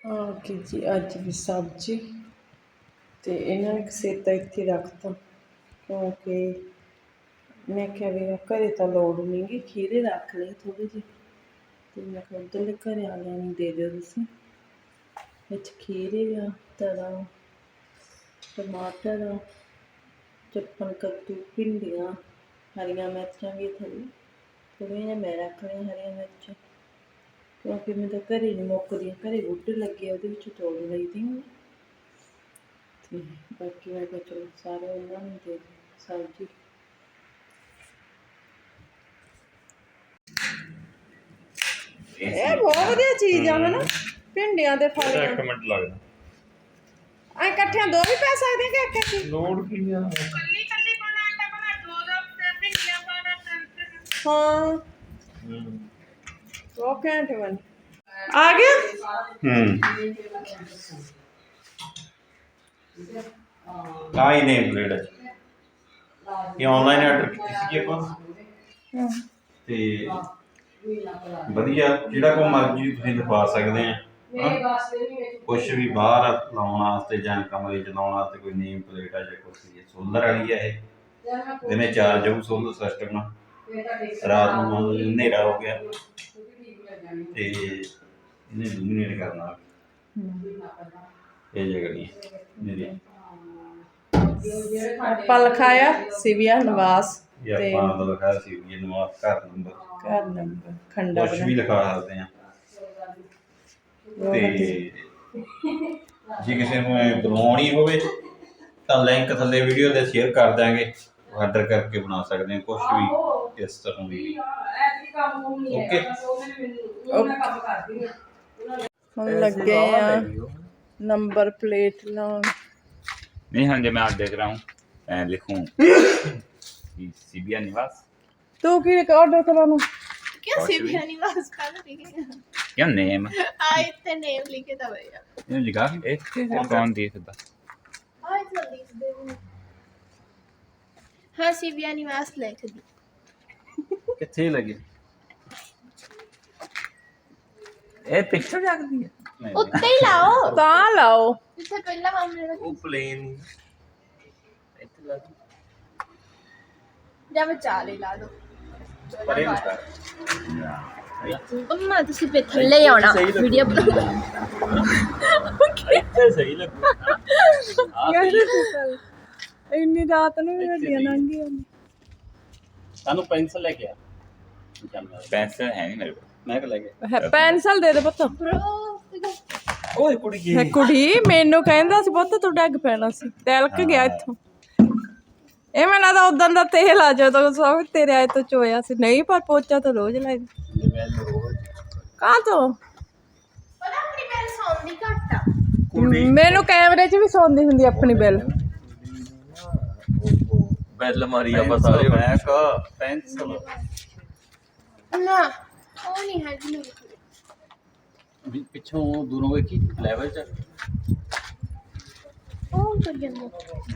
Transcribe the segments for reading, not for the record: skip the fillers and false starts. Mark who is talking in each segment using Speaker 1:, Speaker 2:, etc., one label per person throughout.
Speaker 1: ਕਿ ਜੀ ਅੱਜ ਵੀ ਸਬਜ਼ੀ ਅਤੇ ਇਹਨਾਂ ਨੇ ਕਸੇਤਾ ਇੱਥੇ ਰੱਖਤਾ ਕਿਉਂਕਿ ਮੈਂ ਕਿਹਾ ਵੀ ਘਰੇ ਤਾਂ ਲੋੜ ਨਹੀਂ ਗੀ, ਖੀਰੇ ਰੱਖ ਲਏ ਥੋੜ੍ਹੇ ਜਿਹੇ ਅਤੇ ਮੈਂ ਕਿਹਾ ਉੱਧਰਲੇ ਘਰ ਵਾਲਿਆਂ ਨੂੰ ਦੇ ਦਿਓ ਤੁਸੀਂ। ਵਿੱਚ ਖੀਰੇ ਆ, ਤਰਾ, ਟਮਾਟਰ, ਚੱਪਣ ਕੱਦੂ, ਭਿੰਡੀਆਂ, ਹਰੀਆਂ ਮਿਰਚਾਂ ਵੀ ਥੋੜ੍ਹੀ ਥੋੜ੍ਹੀਆਂ ਜਿਹੀਆਂ ਮੈਂ ਰੱਖ ਲਈਆਂ ਹਰੀਆਂ ਮਿਰਚਾਂ ਕਿਉਂਕਿ ਮੈਂ ਤਾਂ ਘਰੇ ਨਹੀਂ ਮੁੱਕਦੀਆਂ, ਘਰੇ ਬੂਟੇ ਲੱਗੇ ਉਹਦੇ ਵਿੱਚ ਤੋੜ ਲਈਦੀ ਹੁਣ। ਅਤੇ ਬਾਕੀ ਮੈਂ ਕਿਹਾ ਚਲੋ ਸਾਰੇ ਉਹਨਾਂ ਨੂੰ ਦੇ ਦਿਓ ਸਬਜ਼ੀ। ਇਹ ਬਹੁਤ ਵਧੀਆ ਚੀਜ਼ ਆ ਹਨਾ, ਭਿੰਡੀਆਂ ਦੇ ਫਲ।
Speaker 2: ਇੱਕ ਮਿੰਟ ਲੱਗਦਾ
Speaker 1: ਐ ਇਕੱਠਿਆਂ ਦੋ ਵੀ ਪੈ ਸਕਦੇ ਕਿ ਇੱਕ ਇੱਕ
Speaker 2: ਲੋੜ ਕੀ ਆ?
Speaker 3: ਕੱਲੀ ਕੱਲੀ ਪਾਣਾ ਆਟਾ ਬਣਾ ਦੋ ਤੇ ਭਿੰਡੀਆਂ ਪਾਣਾ ਤਿੰਨ।
Speaker 1: ਹਾਂ ਉਹ ਘੰਟੇ ਬਣ ਆ ਗਿਆ।
Speaker 2: ਕਾਈ ਨੇਮ ਪਲੇਟ ਇਹ ਆਨਲਾਈਨ ਆਰਡਰ ਕੀਤੀ ਸੀ ਆਪਾਂ ਤੇ ਵਧੀਆ ਜਿਹੜਾ ਕੋ ਮਰਜ਼ੀ ਤੁਸੀਂ ਦਿਖਾ ਸਕਦੇ ਆ। ਕੁਛ ਵੀ ਬਾਹਰ ਲਾਉਣ ਵਾਸਤੇ ਜਾਂ ਕਮਰੇ ਚ ਲਾਉਣ ਵਾਸਤੇ ਕੋਈ ਨੇਮ ਪਲੇਟ ਆ ਜਾਂ ਕੁਛ ਸੋਲਰ ਵਾਲੀ ਆ। ਇਹ ਦਿਨੇ ਚਾਰਜ ਹੋਊ ਸੋਲਰ ਸਿਸਟਮ ਨਾਲ, ਰਾਤ ਨੂੰ ਹਨੇਰਾ ਹੋ ਗਿਆ ਤੇ ਇਹਨੇ ਲੂਮੀਨੇਟ ਕਰਨਾ ਇਹ ਜਗ੍ਹਾ ਨਹੀਂ ਮੇਰੀ।
Speaker 1: ਆਪਾਂ ਲਿਖਾਇਆ ਸਿਵਿਆ ਨਿਵਾਸ
Speaker 2: ਤੇ ਆਪਾਂ ਦਾ ਲਿਖਾਇਆ ਸਿਵਿਆ ਨਿਵਾਸ ਘਰ ਨੰਬਰ
Speaker 1: ਖੰਡਾ
Speaker 2: ਕੁਛ ਵੀ ਲਿਖਾ ਸਕਦੇ ਆ। ਤੇ ਜੇ ਕਿਸੇ ਨੂੰ ਬਣਾਉਣੀ ਹੋਵੇ ਤਾਂ ਲਿੰਕ ਥੱਲੇ ਵੀਡੀਓ ਦੇ ਸ਼ੇਅਰ ਕਰ ਦਾਂਗੇ, ਆਰਡਰ ਕਰਕੇ ਬਣਾ ਸਕਦੇ ਆ ਕੁਛ ਵੀ ਇਸ ਤਰ੍ਹਾਂ ਦੀ। ਓਕੇ
Speaker 1: ਹੁਣ ਲੱਗੇ ਆ नंबर प्लेट लाउन।
Speaker 4: नहीं हाँ जी मैं आज देख रहा हूँ लिखूं सिबिया निवास।
Speaker 1: तू की ऑर्डर कराना
Speaker 3: क्या सिबिया निवास का लिखे
Speaker 4: क्या नेम
Speaker 3: इतने नेम लिखे था भैया
Speaker 4: ये लिखा एक कौन दी था
Speaker 3: इतना लिख दे। हाँ सिबिया निवास लिख दी
Speaker 4: कितने लगे ए पिक्चर जाकर दी
Speaker 3: ਉੱਤੇ ਹੀ ਲਾਓ
Speaker 1: ਤਾਂ ਲਾਓ
Speaker 3: ਜਿੱਥੇ ਪਹਿਲਾਂ ਮਾਮਲੇ ਦਾ
Speaker 4: ਉਹ ਪਲੇਨ ਇੱਥੇ ਲਾ
Speaker 3: ਜਾਂ ਵਿਚਾਲੇ ਲਾ ਦੋ
Speaker 4: ਪਰੇ ਨੂੰ
Speaker 3: ਅੰਮਾ ਤੁਸੀਂ ਪੇ ਥੱਲੇ ਆਉਣਾ ਵੀਡੀਓ
Speaker 4: ਇੱਥੇ ਸਹੀ ਲੱਗੂ
Speaker 1: ਇੰਨੀ ਰਾਤ ਨੂੰ ਵੀ ਗੱਡੀਆਂ ਲੰਘੀਆਂ
Speaker 4: ਸਾਨੂੰ ਪੈਨਸਲ ਲੈ ਕੇ ਆ। ਪੈਨਸਲ ਹੈ ਨਹੀਂ ਮੇਰੇ ਕੋਲ, ਮੈਂ ਕਿ ਲੈ ਕੇ
Speaker 1: ਪੈਨਸਲ ਦੇ ਦੇ ਪੁੱਤ।
Speaker 4: ਓਏ ਕੁੜੀ ਕੀ
Speaker 1: ਕੁੜੀ ਮੈਨੂੰ ਕਹਿੰਦਾ ਸੀ ਪੁੱਤ ਤੂੰ ਡੱਗ ਪੈਣਾ ਸੀ, ਤਿਲਕ ਗਿਆ ਇੱਥੋਂ। ਇਹ ਮੈਨੂੰ ਲੱਗਦਾ ਉਦੋਂ ਦਾ ਤੇਲ ਆ ਜਦੋਂ ਸਭ ਤੇਰੇ ਆਏ ਤੋਂ ਚੋਇਆ ਸੀ। ਨਹੀਂ ਪਰ ਪੋਚਾ ਤਾਂ ਰੋਜ਼ ਲਾਈਦਾ। ਕਾਹ ਤੋਂ
Speaker 3: ਪਤਾ ਆਪਣੀ ਬੈਲ ਸੌਂਦੀ ਘੱਟ ਆ।
Speaker 1: ਮੈਨੂੰ ਕੈਮਰੇ 'ਚ ਵੀ ਸੌਂਦੀ ਹੁੰਦੀ ਆਪਣੀ ਬਿੱਲ।
Speaker 4: ਬੈਲ ਮਾਰੀ ਆਪਾਂ ਸਾਰੇ ਮੈਂ ਕਾ ਪੈਨਸਲ
Speaker 3: ਨਾ ਉਹ ਨਹੀਂ ਹੈ ਜੀ
Speaker 4: ਵੀ ਪਿੱਛੋਂ ਦੂਰੋਂ ਵੇਖੀ ਲੈਵਲ ਚ
Speaker 3: ਉਹ ਕਰ ਜਾਂਦਾ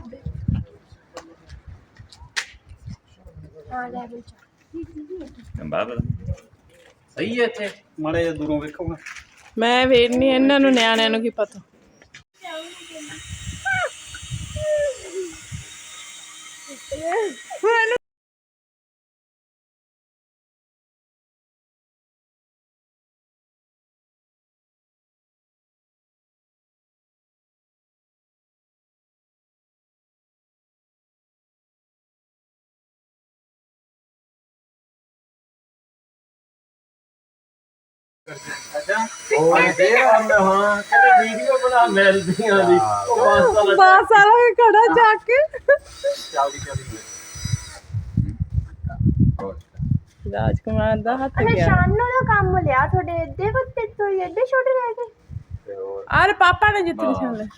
Speaker 3: ਆ ਲੈਵਲ ਚ
Speaker 4: ਬਾਬਾ ਸਹੀ ਹੈ ਇੱਥੇ ਮਾੜੇ ਜਿਹਾ ਦੂਰੋਂ ਵੇਖੋਗਾ।
Speaker 1: ਮੈਂ ਵੇਖਣੀ ਇਹਨਾਂ ਨੂੰ ਨਿਆਣਿਆਂ ਨੂੰ ਕੀ ਪਤਾ। ਬਾਸ ਵਾਲਾ ਵੀ ਖੜਾ ਜਾ ਕੇ ਰਾਜਕੁਮਾਰ ਦਾ ਹੱਥ ਗਿਆ।
Speaker 3: ਸ਼ਾਨੂ ਦਾ ਕੰਮ ਲਿਆ ਤੁਹਾਡੇ ਏਡੇ ਬੱਤੇ ਤੋਂ ਏਡੇ ਛੋਟੇ ਰਹਿ ਗਏ।
Speaker 1: ਅਰੇ ਪਾਪਾ ਨੇ ਜਿੱਤ ਨਿਸ਼ਾਨ ਲੈ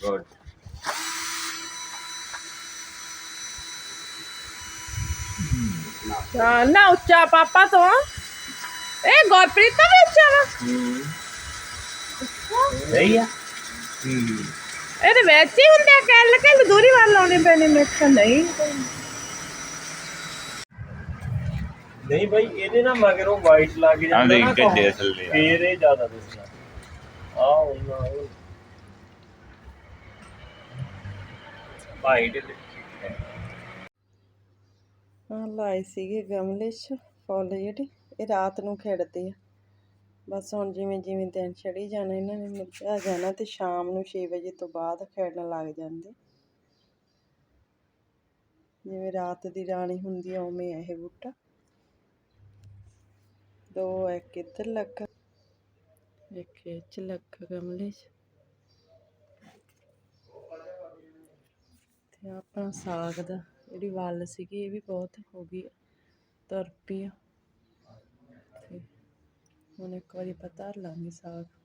Speaker 1: ਨਾ ਉੱਚਾ ਪਾਪਾ ਤੋਂ। ਇਹ ਗੁਰਪ੍ਰੀਤ ਦਾ ਵੀ ਉੱਚਾ ਵਾ।
Speaker 4: ਸਹੀ ਆ
Speaker 1: ਇਹਦੇ ਵਿੱਚ ਹੀ ਹੁੰਦੇ ਆ ਕੱਲ ਕੱਲ ਦੂਰੀ ਵੱਲ ਲਾਉਣੇ ਪੈਣੇ। ਮੈਂ ਕਿਹਾ ਨਹੀਂ
Speaker 2: ਨਹੀਂ ਭਾਈ ਇਹਦੇ ਨਾਲ ਮਗਰੋਂ ਵਾਈਟ ਲੱਗ ਜਾਂਦਾ ਨਾ
Speaker 4: ਗੱਡੇ ਥੱਲੇ
Speaker 2: ਫੇਰ ਇਹ ਜ਼ਿਆਦਾ ਦਿਸਦਾ ਆ ਉਹਨਾਂ
Speaker 4: ਵਾਈਟ ਤੇ
Speaker 1: ਹਾਂ ਲਾਏ ਸੀਗੇ ਗਮਲੇ 'ਚ ਫੁੱਲ ਜਿਹੜੇ, ਇਹ ਰਾਤ ਨੂੰ ਖਿੜਦੇ ਆ। ਬਸ ਹੁਣ ਜਿਵੇਂ ਜਿਵੇਂ ਦਿਨ ਚੜ੍ਹੀ ਜਾਣਾ ਇਹਨਾਂ ਨੇ ਮੁਰਝਾ ਜਾਣਾ ਤੇ ਸ਼ਾਮ ਨੂੰ 6 ਵਜੇ ਤੋਂ ਬਾਅਦ ਖਿੜਨ ਲੱਗ ਜਾਂਦੇ। ਜਿਵੇਂ ਰਾਤ ਦੀ ਰਾਣੀ ਹੁੰਦੀ ਆ ਉਵੇਂ ਆ ਇਹ ਬੂਟਾ। ਦੋ ਇੱਕ ਇੱਧਰ ਲੱਗਾ, ਇੱਕ ਇਹ 'ਚ ਲੱਗਾ ਗਮਲੇ 'ਚ। ਤੇ ਆਪਣਾ ਸਾਗ ਦਾ ਜਿਹੜੀ ਵੱਲ ਸੀਗੀ ਇਹ ਵੀ ਬਹੁਤ ਹੋ ਗਈ, ਤੁਰ ਪਈ ਆ। ਤੇ ਹੁਣ ਇੱਕ ਵਾਰੀ ਆਪਾਂ ਧਰ ਲਾਂਗੇ ਸਾਗ।